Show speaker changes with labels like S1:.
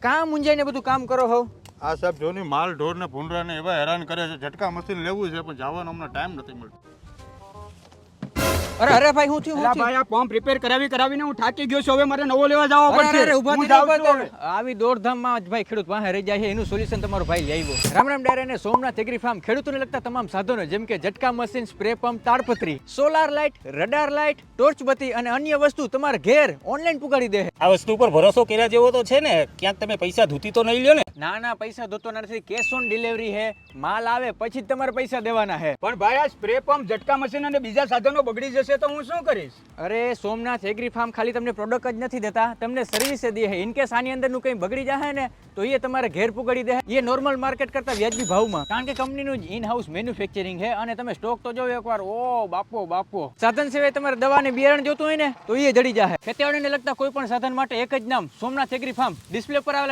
S1: કામ મુંજાઈને બધું કામ કરો હો?
S2: આ સાહેબ જોની માલ ઢોર ને ભૂંડરા ને એવા હેરાન કરે છે. ઝટકા મશીન લેવું છે પણ જવાનો અમને ટાઈમ નથી મળતો.
S1: અરે ભાઈ હું થયું?
S3: અલા ભાઈ આ પંપ રિપેર કરાવીને હું થાકી ગયો છું. હવે મારે નવો લેવા જવો પડશે. હું જાઉં છું હવે.
S1: આવી દોડધામમાં જ ભાઈ ખેડૂત વાહે રહી જાય છે. એનું સોલ્યુશન તમારો ભાઈ લઈ આવ્યો. રામ રામ ડાયરા અને સોમનાથ એગ્રી ફાર્મ ખેડૂતોને લગતા તમામ સાધનો જેમ કે ઝટકા મશીન, સ્પ્રે પંપ, તાડપત્રી, solar light, radar light, torch બત્તી અને અન્ય વસ્તુ તમારા ઘેર ઓનલાઈન પુગાડી દે.
S4: આ વસ્તુ પર ભરોસો કર્યા જેવો તો છે ને? ક્યાંક તમે પૈસા ધૂતી તો નહીં લ્યો ને?
S1: ના પૈસા ધોતો નથી. કેશ ઓન ડિલિવરી હે. માલ આવે પછી જ તમારે પૈસા દેવાના હે.
S3: પણ ભાઈ આ સ્પ્રે પંપ, ઝટકા મશીન અને બીજા સાધનો બગડી જશે તો હું શું કરીશ?
S1: અરે સોમનાથ એગ્રી ફાર્મ ખાલી તમને પ્રોડક્ટ જ નથી દેતા, તમને સર્વિસ દે છે. ઇન કેસ આની અંદરનું કંઈ બગડી જાય ને તો એ તમારે ઘેર પુગાડી દે. એ નોર્મલ માર્કેટ કરતા વ્યાજબી ભાવમાં, કારણ કે કંપનીનું જ ઇન હાઉસ મેન્યુફેક્ચરિંગ છે. અને તમે સ્ટોક તો જોવો એકવાર, ઓ બાપો. સાધન સિવાય તમારે દવા ને બિયારણ જોતું હોય ને તો એ જડી જાય. ખેતીવાડીને લગતા કોઈ પણ સાધન માટે એક જ નામ, સોમનાથ એગ્રી ફાર્મ. ડિસ્પ્લે પર આવેલા